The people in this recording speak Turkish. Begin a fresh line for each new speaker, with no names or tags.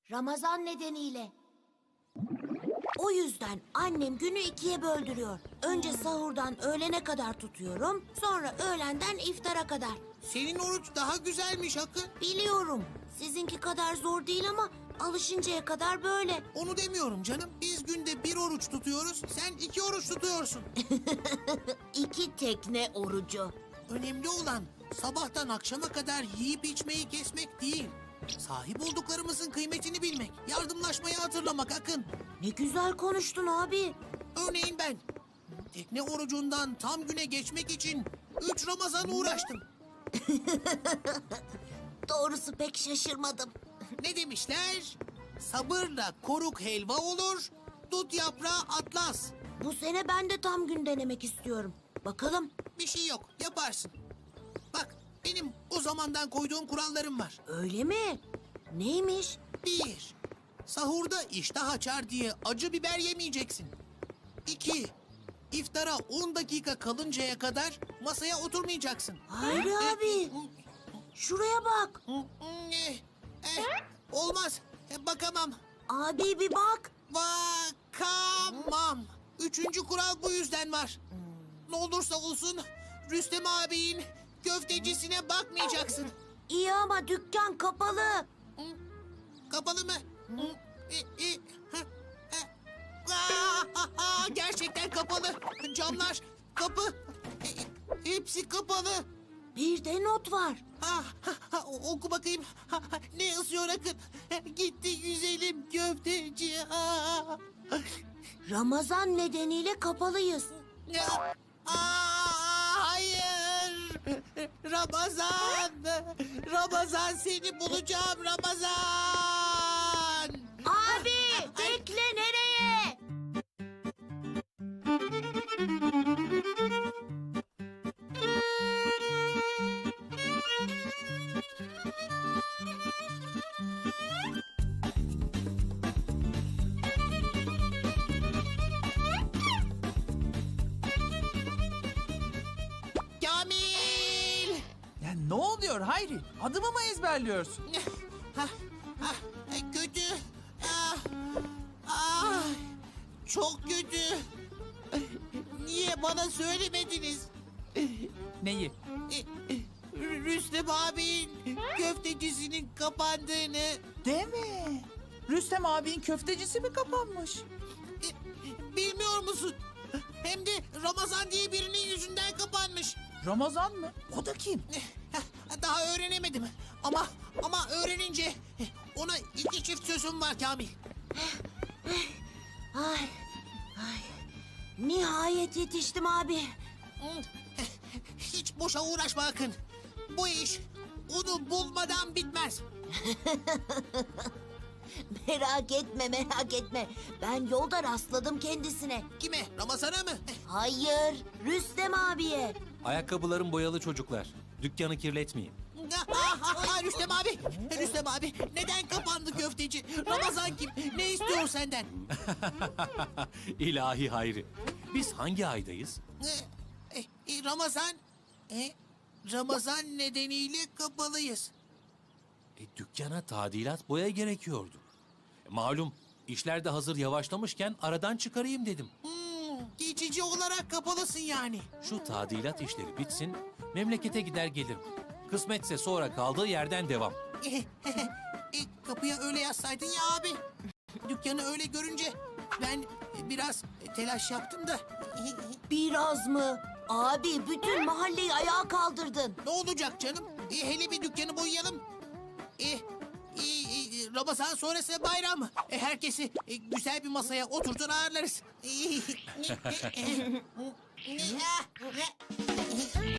Ramazan nedeniyle. O yüzden annem günü ikiye böldürüyor. Önce sahurdan öğlene kadar tutuyorum, sonra öğlenden iftara kadar.
Senin oruç daha güzelmiş Akın.
Biliyorum, sizinki kadar zor değil ama alışıncaya kadar böyle.
Onu demiyorum canım. Biz günde bir oruç tutuyoruz, sen 2 oruç tutuyorsun.
2 tekne orucu.
Önemli olan sabahtan akşama kadar yiyip içmeyi kesmek değil. Sahip olduklarımızın kıymetini bilmek, yardımlaşmayı hatırlamak Akın.
Ne güzel konuştun abi.
Örneğin ben tekne orucundan tam güne geçmek için 3 Ramazan uğraştım.
Doğrusu pek şaşırmadım.
Ne demişler? Sabırla koruk helva olur, dut yaprağı atlas.
Bu sene ben de tam gün denemek istiyorum. Bakalım.
Bir şey yok, yaparsın. Bak, benim o zamandan koyduğum kurallarım var.
Öyle mi? Neymiş?
1. Sahurda iştah açar diye acı biber yemeyeceksin. 2. İftara 10 dakika kalıncaya kadar masaya oturmayacaksın.
Hayri abi. Şuraya bak.
Olmaz, bakamam.
Abi bir bak.
Bakamam. 3. kural bu yüzden var. Ne olursa olsun Rüstem abinin köftecisine bakmayacaksın.
İyi ama dükkan kapalı.
Kapalı mı? Gerçekten kapalı. Camlar, kapı, hepsi kapalı.
Bir de not var.
Oku bakayım. Ne yazıyor Akın? Gitti güzelim köfteci.
Ramazan nedeniyle kapalıyız.
Hayır. Ramazan. Ramazan seni bulacağım Ramazan.
Abi bekle, nereye?
Kamil.
Ya ne oluyor Hayri? Adımı mı ezberliyorsun?
Kötü. Ah, çok kötü. Niye bana söylemediniz?
Neyi?
Rüstem abinin köftecisinin kapandığını.
Deme. Rüstem abinin köftecisi mi kapanmış?
Bilmiyor musun? Hem de Ramazan diye birinin yüzünden kapanmış.
Ramazan mı? O da kim?
Daha öğrenemedim. Ama öğrenince ona 2 çift sözüm var Kamil.
Ay, ay. Nihayet yetiştim abi.
Hiç boşa uğraşma Akın. Bu iş onu bulmadan bitmez.
Merak etme, merak etme. Ben yolda rastladım kendisine.
Kime? Ramazan'a mı?
Hayır, Rüstem abiye.
Ayakkabılarım boyalı çocuklar. Dükkanı kirletmeyin.
Rüstem abi. Rüstem abi. Neden kapandı köfteci? Ramazan kim? Ne istiyor senden?
İlahi Hayri. Biz hangi aydayız?
Ramazan. Ramazan nedeniyle kapalıyız.
Dükkana tadilat boya gerekiyordu. Malum işler de hazır yavaşlamışken aradan çıkarayım dedim.
Geçici olarak kapalısın yani.
Şu tadilat işleri bitsin, memlekete gider gelirim. Kısmetse sonra kaldığı yerden devam.
Kapıya öyle yazsaydın ya abi. Dükkanı öyle görünce ben biraz telaş yaptım da.
Biraz mı? Abi bütün mahalleyi ayağa kaldırdın.
Ne olacak canım? Hele bir dükkanı boyayalım. Ramazan sonrası bayram. Herkesi güzel bir masaya oturtur ağırlarız.